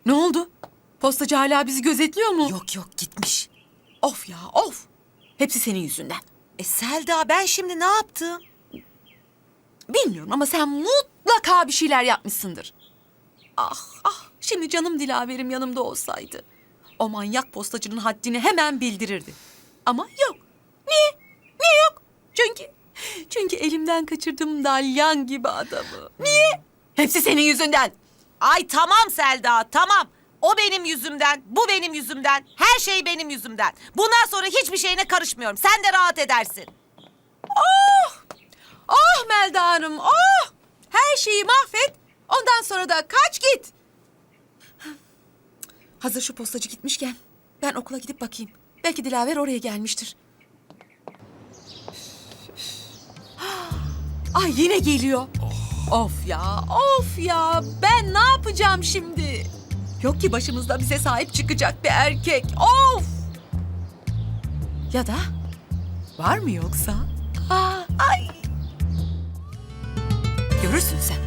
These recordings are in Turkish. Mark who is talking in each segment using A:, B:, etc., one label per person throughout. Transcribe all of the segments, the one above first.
A: Ne oldu? Postacı hala bizi gözetliyor mu?
B: Yok yok, gitmiş.
A: Of ya of. Hepsi senin yüzünden.
B: Selda, ben şimdi ne yaptım?
A: Bilmiyorum ama sen mutlaka bir şeyler yapmışsındır. Ah ah, şimdi canım Dilaver'im yanımda olsaydı. O manyak postacının haddini hemen bildirirdi. Ama yok. Niye? Niye yok? Çünkü elimden kaçırdım dalyan gibi adamı. Niye? Hepsi senin yüzünden.
B: Ay tamam Selda, tamam. O benim yüzümden, bu benim yüzümden, her şey benim yüzümden. Bundan sonra hiçbir şeyine karışmıyorum. Sen de rahat edersin.
A: Oh Melda Hanım, oh! Her şeyi mahvet, ondan sonra da kaç git. Hazır şu postacı gitmişken ben okula gidip bakayım. Belki Dilaver oraya gelmiştir. Ay yine geliyor. Of ya, ben ne yapacağım şimdi? Yok ki başımızda bize sahip çıkacak bir erkek. Of! Ya da var mı yoksa? Ay! Görürsün sen.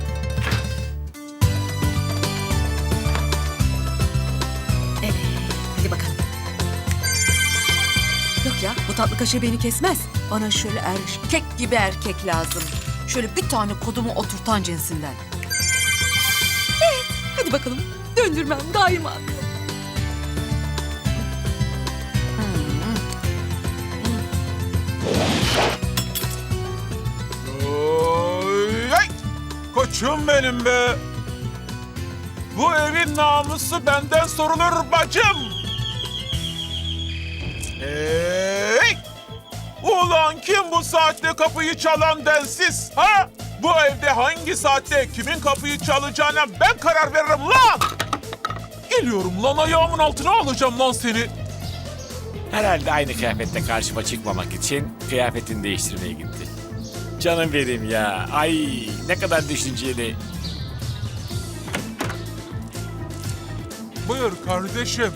A: Evet, hadi bakalım. Yok ya, bu tatlı kaşığı beni kesmez. Bana şöyle erkek gibi erkek lazım. Şöyle bir tane kodumu oturtan cinsinden. Evet, hadi bakalım. Döndürmem daima.
C: Oy, ay! Koçum benim be. Bu evin namusu benden sorulur bacım. Hey! Ulan kim bu saatte kapıyı çalan densiz? Ha? Bu evde hangi saatte kimin kapıyı çalacağına ben karar veririm lan! Geliyorum lan, ayağımın altına alacağım lan seni.
D: Herhalde aynı kıyafette karşıma çıkmamak için kıyafetini değiştirmeye gitti. Canım benim ya. Ay ne kadar düşünceli.
C: Buyur kardeşim.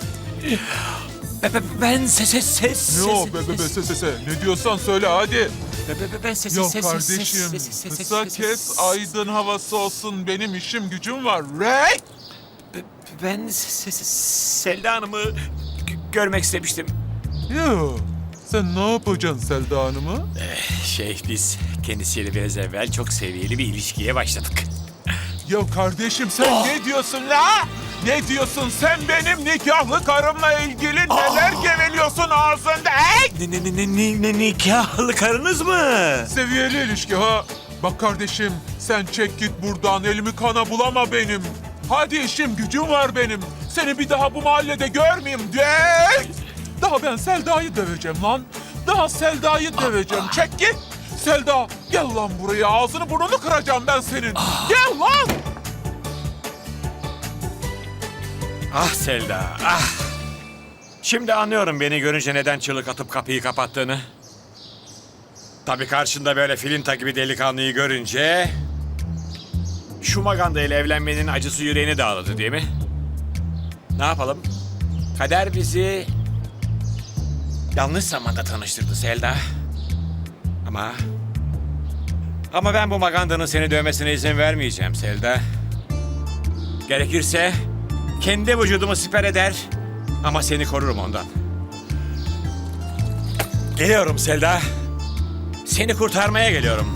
D: Ben ses.
C: Ne o be se. Ne diyorsan söyle hadi.
D: Ben ses.
C: Yok kardeşim, kısa kes, aydın havası olsun, benim işim gücüm var. Rey!
D: Ben Selda Hanım'ı görmek istemiştim.
C: Yo, sen ne yapacaksın Selda Hanım'ı?
D: Biz kendisiyle biraz evvel çok seviyeli bir ilişkiye başladık.
C: Ya kardeşim sen ne diyorsun la? Ne diyorsun sen, benim nikahlı karımla ilgili neler geveliyorsun ağzında? Hey!
D: Ne nikahlı karınız mı?
C: Seviyeli ilişki ha. Bak kardeşim, sen çek git buradan, elimi kana bulama benim. Hadi işim gücüm var benim. Seni bir daha bu mahallede görmeyeyim diye. Daha ben Selda'yı döveceğim lan. Daha Selda'yı döveceğim. Çek git. Selda gel lan buraya, ağzını burnunu kıracağım ben senin. Gel lan.
D: Ah Selda, ah! Şimdi anlıyorum beni görünce neden çığlık atıp kapıyı kapattığını. Tabii karşında böyle filinta gibi delikanlıyı görünce... ...şu maganda ile evlenmenin acısı yüreğini dağladı değil mi? Ne yapalım? Kader bizi... ...yanlış zamanda tanıştırdı Selda. Ama ben bu magandanın seni dövmesine izin vermeyeceğim Selda. Gerekirse... Kendi vücudumu siper eder ama seni korurum ondan. Geliyorum Selda. Seni kurtarmaya geliyorum.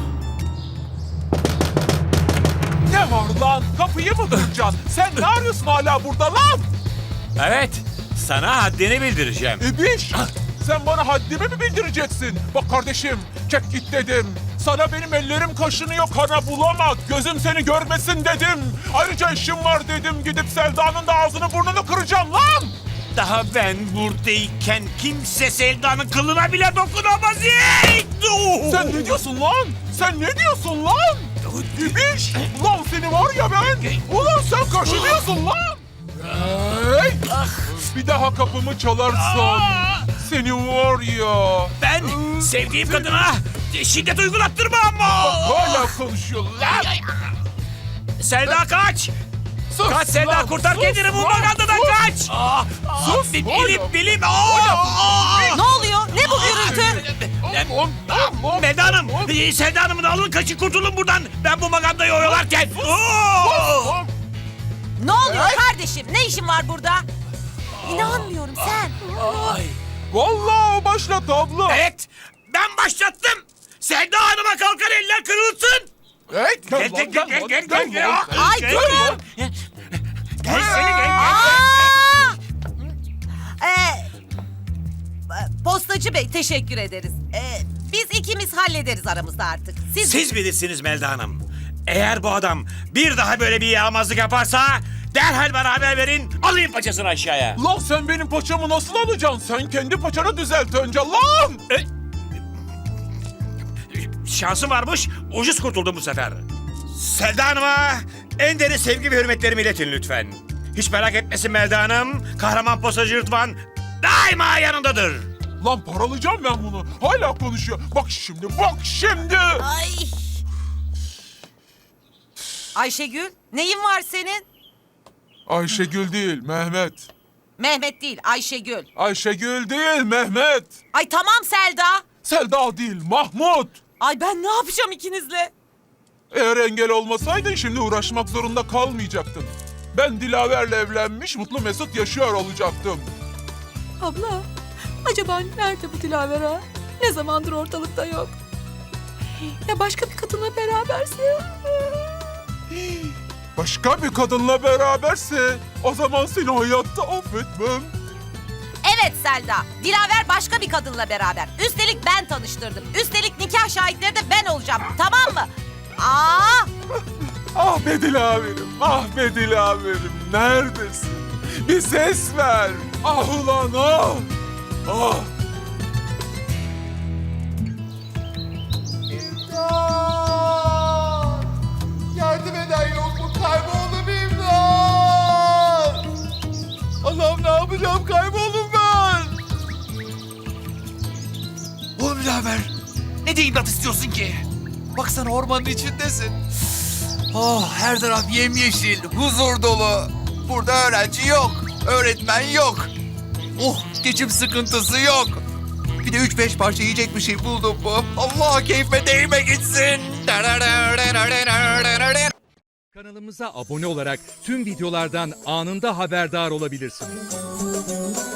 C: Ne var lan? Kapıyı mı kıracaksın? Sen ne arıyorsun hala burada lan?
D: Evet, sana haddini bildireceğim.
C: İbiş! Sen bana haddimi mi bildireceksin? Bak kardeşim, çek git dedim. Sana benim ellerim kaşınıyor, kana bulama. Gözüm seni görmesin dedim. Ayrıca işim var dedim. Gidip Selda'nın da ağzını burnunu kıracağım lan!
D: Daha ben buradayken kimse Selda'nın kılına bile dokunamaz.
C: Sen ne diyorsun lan? Sen ne diyorsun lan? İbiş! Ulan seni var ya ben! Ulan sen kaşınıyorsun lan! Hey! Bir daha kapımı çalarsan seni var ya...
D: Ben sevdiğim kadına şiddet uygulattırma ama.
C: Hala konuşuyor lan!
D: Selda kaç!
C: Sus
D: Kaç Selda,
C: lan,
D: kurtar
C: sus
D: kendini bu
C: lan,
D: magandadan
C: sus!
D: kaç!
C: Sus
D: Bilim!
B: Ne oluyor? Ne bu gürültü?
D: Melda Hanım, Selda Hanım'ın alın kaçın kurtulun buradan. Ben bu magandayı oyalarken.
B: Ne oluyor kardeşim? Ne işin var burada? İnanmıyorum sen.
C: Vallahi o başlattı abla.
D: Evet, ben başlattım. Selda Hanım'a kalkar eller kırılsın.
C: Hey,
D: Gel, gel, gel, gel, gel, gel, gel.
B: Ay durun.
D: Gel seni gel.
B: Aa! Postacı Bey teşekkür ederiz. Biz ikimiz hallederiz aramızda artık.
D: Siz bilirsiniz Melda Hanım. Eğer bu adam bir daha böyle bir yağmazlık yaparsa derhal bana haber verin. Alayım paçasını aşağıya.
C: Lan sen benim paçamı nasıl alacaksın? Sen kendi paçanı düzelt önce lan.
D: Şansım varmış, ucuz kurtuldum bu sefer. Selda Hanım'a en derin sevgi ve hürmetlerimi iletin lütfen. Hiç merak etmesin Melda Hanım. Kahraman postacı Rıdvan daima yanındadır.
C: Lan paralayacağım ben bunu. Hala konuşuyor. Bak şimdi, bak şimdi.
B: Ay. Ayşegül, neyin var senin?
C: Ayşegül değil, Mehmet.
B: Mehmet değil, Ayşegül.
C: Ayşegül değil, Mehmet.
B: Ay tamam Selda.
C: Selda değil, Mahmut.
B: Ay ben ne yapacağım ikinizle?
C: Eğer engel olmasaydın şimdi uğraşmak zorunda kalmayacaktın. Ben Dilaver'le evlenmiş, mutlu mesut yaşıyor olacaktım.
A: Abla, acaba nerede bu Dilaver ha? Ne zamandır ortalıkta yok. Ya başka bir kadınla beraberse?
C: Başka bir kadınla beraberse o zaman seni hayatta affetmem.
B: Evet Selda, Dilaver başka bir kadınla beraber. Üstelik ben tanıştırdım. Üstelik nikah şahitleri de ben olacağım. Tamam mı? Aa!
C: Ah be Dilaver'im, ah be Dilaver'im, neredesin? Bir ses ver. Ah ulan ah. Ah.
E: Yardım eden yok mu? Kayboldum imdat! Allah'ım ne yapacağım? Kayboldum ben! Oğlum Dilaver, ne diye imdat istiyorsun ki? Baksana ormanın içindesin. Oh, her taraf yemyeşil, huzur dolu. Burada öğrenci yok, öğretmen yok. Oh, geçim sıkıntısı yok. Bir de 3-5 parça yiyecek bir şey buldum mu? Allah keyfe değme gitsin.
F: Kanalımıza abone olarak tüm videolardan anında haberdar olabilirsiniz.